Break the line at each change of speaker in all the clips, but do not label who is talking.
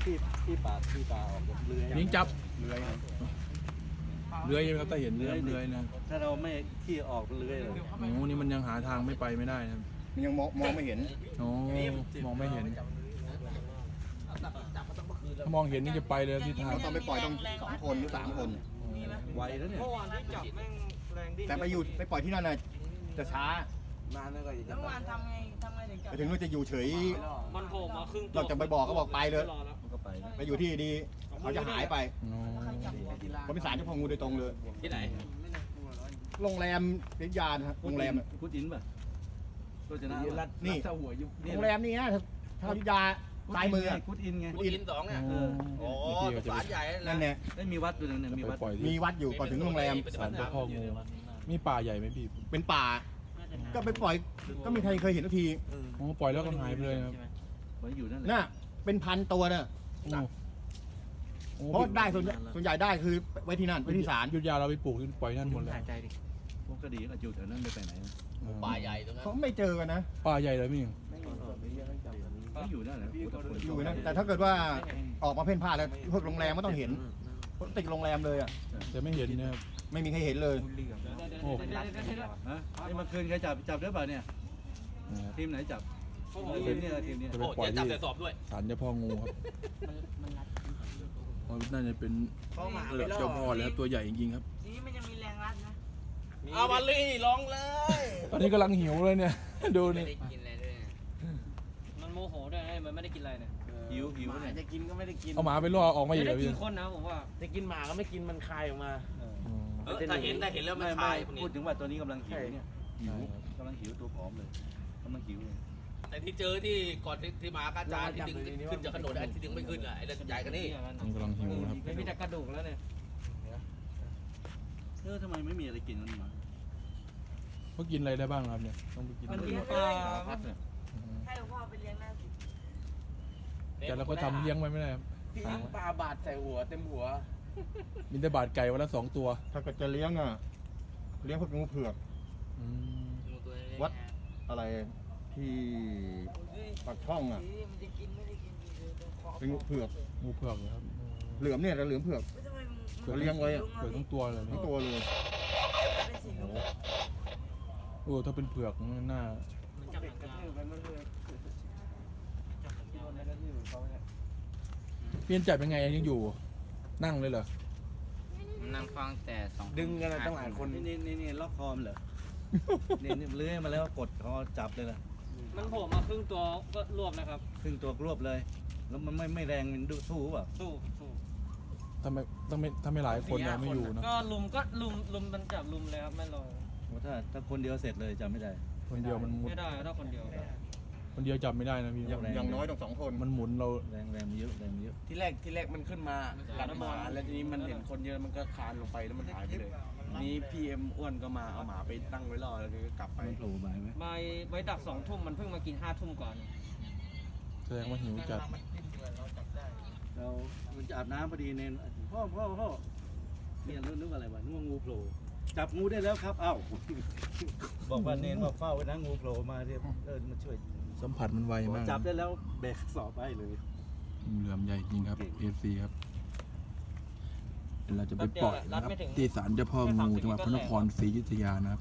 ที่ปากที่ตาออกเลื้อย
ยิงจับ
เลื้อย
เลื้อยครับแต่เห็นเลื้อยนะ
ถ้าเราไม่ที่ออกเลื้อยเลย
โอ้นี่มันยังหาทางไม่ไปไม่ได้นะ
มันยังมองไม่เห็น
โอ้มองไม่เห็นถ้ามองเห็นนี่จะไปเลยทิศทาง
ต้องไปปล่อยต้อง2 คนหรือ3 คน
ไวแล้วเนี่ย
เมื่อวานที่จับแม่งแรงดิ้น
แต่ไปปล่อยที่นั่นน่ะจะช้าน
านแล้วก็
เมื่อวานทำไงถึงจับ
ไปถึงว่าจะอยู่เฉย
มันโผล่มาครึ่งตัว
เราจะไปบอกก็บอกไปเลย
มันก็ไป
ไปอยู่ที่ดีเขาจะหายไป
โอ้
เพราะเป็นสารเจ้าพ่องูโดยตรงเลย
ที่ไหน
โรงแรมพิยานะโรงแรม
พุทธินป่ะตัวชนะ
นี่โรงแรมนี่นะชาวพิยาซ้ายมือ
พุทธินไง
พุทธิน2เนี่ย
โอ้
โอ้
ที่ก็จะ
ศาลใหญ่
นั่นเนี่ย
ได้มีวัดตัวนึงเนี่ย
จะ
มี
ไป
วัด
ปล่อย
มี
ที่
วัดอยู่ก่อนถึงโรงแรม
ศาลเจ้าพ่องูมีป่าใหญ่ไหมพี่
เป็นป่า ก็ไปปล่อยก็มีใครเคยเห็นสักที
โอ้ปล่อยแล้วก็หายไปเลยครับ
ไว้อยู่นั่นแหละ
น่ะเป็นพันตัวน่ะ
โอ้
เพราะได้ส่วนใหญ่ได้คือไว้ที่นั่นไว้ที่ศาล
ยุทธยาเราไปปลูกปล่อยนั่นหมดเลย
พวกคดีก็อยู่แถวนั้นไม่ไปไหน
ป่าใหญ่ตรงนั้น
เขาไม่เจอกันนะ
ป่าใหญ่เลยพี่
ก็อยู่นั่นแหละ
อยู่นะแต่ถ้าเกิดว่าออกมาเพ่นพ่านแล้วพวกโรงแรมก็ต้องเห็นเพราะติดโรงแรมเลยอ่ะ
แต่ไม่เห็นนะครับ
ไม่มีใครเห็นเลย
โอ้
ฮะไอ้เมื่อคืนใครจับได้ป่ะเนี่ย
นะครับ
ทีมไหนจับทีมนี้ทีมนี้
จะไป
โอ้
ปล่อย
เดี๋ยวจับ
ที่
แต่สอบด้วย
ศาลเจ้าพ่องูครับอ๋อน่าจะเป็น
เข้ามา
ระดับเจ้าพ่อแล้วตัวใหญ่จริงๆครับ
ทีนี้มันจะมีแรงรัดนะ
เอามาลี่ร้องเลย
ตอนนี้กำลังหิวเลยเนี่ย ดู
ไม่
นี่
ได้กินอะไรด้วย
มันโมโหด้วยมันไม่ได้กินอะไรเนี่ย
หิวเนี่ย
จะกินก็ไม่ได้กิน
เอาหมาไปล่อออกมาอี
ไม่
ก
ได้
แล้ว
กิ
พี่
นคนนะผมว่า
จะกินหมาก็ไม่กินมันคายออกมา
อ๋อ
ถ้าเห็นแล้วมัน
ไม่
คลายพวกนี้
พูดถึงว่าตัวนี้กำลังหิวเนี่ยหิว
ใช่ครับ
กำลังหิวตัวผอมเลยกำลังหิวเลย
แต่ที่เจอที่ก่อนที่มากระจายที่ดึงขึ้นจากขนนไอ้ที่ดึงไม่ขึ้นอ่ะไอ้เรื่องใหญ่กันนี่
มันกำลังหิวนะครับ
ไม่มีแต่กระดูกแล้วเนี่ย
ทำไมไม่มีอะไรกินมันมา
เขากินอะไรได้บ้างครับเนี่ยต้องไปกิน
มัน
อะไร
กิน
บ้าง
ปลา
พัดเนี่ย
ให้หลวงพ่อไปเลี้ยงหน้าสิ
แต่เราก็ทำเลี้ยงไว้ไม่ได้ครับ
พี่ปลาบาดใส่หัวเต็มหัว
มีแต่บาดไก่วันละ2 ตัว
ถ้าเกิดจะเลี้ยงอ่ะเลี้ยงพวกงูเผือก
อืม
วัด อะไรที่ปากช่องอ่ะ
มันจะกินไม่ได้กินขอ
เป็นงูเผือก
งูเผือกเหรอครับ
เหลือมเนี่ยแต่เหลือมเผือก
ทำไม
เขาเลี้ยงไว้อะ
เผือกทั้งตัวเลย
ทั้
นะ
งตัวเลย
เป็นสีลุง
โอ้ถ้าเป็นเผือกมันน่า
มันจับหนังกลาง
เปลี่ยนจับยังไงยังอยู่ นั่งเลยเหรอ
นั่งฟังแต่2
ดึงกันตั้งหลายคน
นี่ล็อกคอมเหรอนี่เลื้อยมาแล้วกดคอจับเลยล่ะ
มันโผล่มาครึ่งตัวก็รวบนะครับ
ครึ่งตัวรวบเลย แล้วมันไม่แรงมันดูสู้เปล่า
สู้
ทำไมถ้าไม่หลายคนยังไม่อยู่นะ
ก็ลุมมันจับลุมเลยครับไม่รอ
ถ้าคนเดียวเสร็จเลยจำไม่ได้
คนเดียวมันหมุน
ไม่ได้ถ้าคนเดียว
คนเดียวจับไม่ได้นะพี่
อย่างน้อยต้อง2 คน
มันหมุนเรา
แรงมันเยอะแรงมันเยอะ
ที่แรกมันขึ้นมากัดหมาแล้วทีนี้มันเห็นคนเยอะมันก็คลานลงไปแล้วมันหายไปเลยนี่พี่เอ็มอ้วนก็มาเอาหมาไปตั้งไว้รอแล้วก็กลับไป
มันโผล่มาไหม
ไว้ดัก2 ทุ่มมันเพิ่งมากิน5 ทุ่มก่อน
แสดงว่าหิวจัด
เรามันจะอาบน้ำพอดีเนนพ่อเนี่ยนึกอะไรวะนึกว่างูโผล่จับงูได้แล้วครับเอ้าบอกว่าเนนบอกเฝ้าไว้นะงูโผล่มาเรียมาช่วย
สัมผัสมันไวมาก
จับได้แล้วแบกสอบไปเลย
งูเหลือมใหญ่จริงครับ FC ครับเดี๋ยวเราจะไปปล่อยนะครับที่ศาลเจ้าพ่องูจังหวัดพระนครศรีอยุธยานะครับ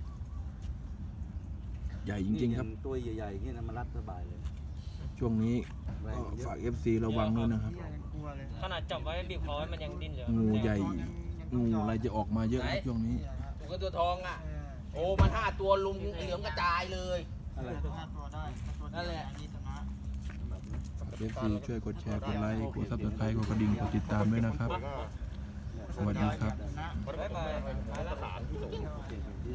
ใหญ่จริงๆครับ
ตัวใหญ่ๆอย่างนี้นะมารัดสบายเลย
ช่วงนี้ก็ฝาก FC ระวังด้วยนะครับ
ขนาดจับไว้บีบคอไว้มันยังดิ้นเลย
งูใหญ่ งูอะไรจะออกมาเยอะครับช่วงนี้
ตัวเงินตัวทองอ่ะโอ้มัน5 ตัวลุมเหลืองกระจายเลย
อะไร
นั่นแหละ
FC ช่วยกดแชร์กดไลค์กด Subscribe กดกระดิ่งกดติดตามด้วยนะครับ สวัสดีครับ
บ๊ายบาย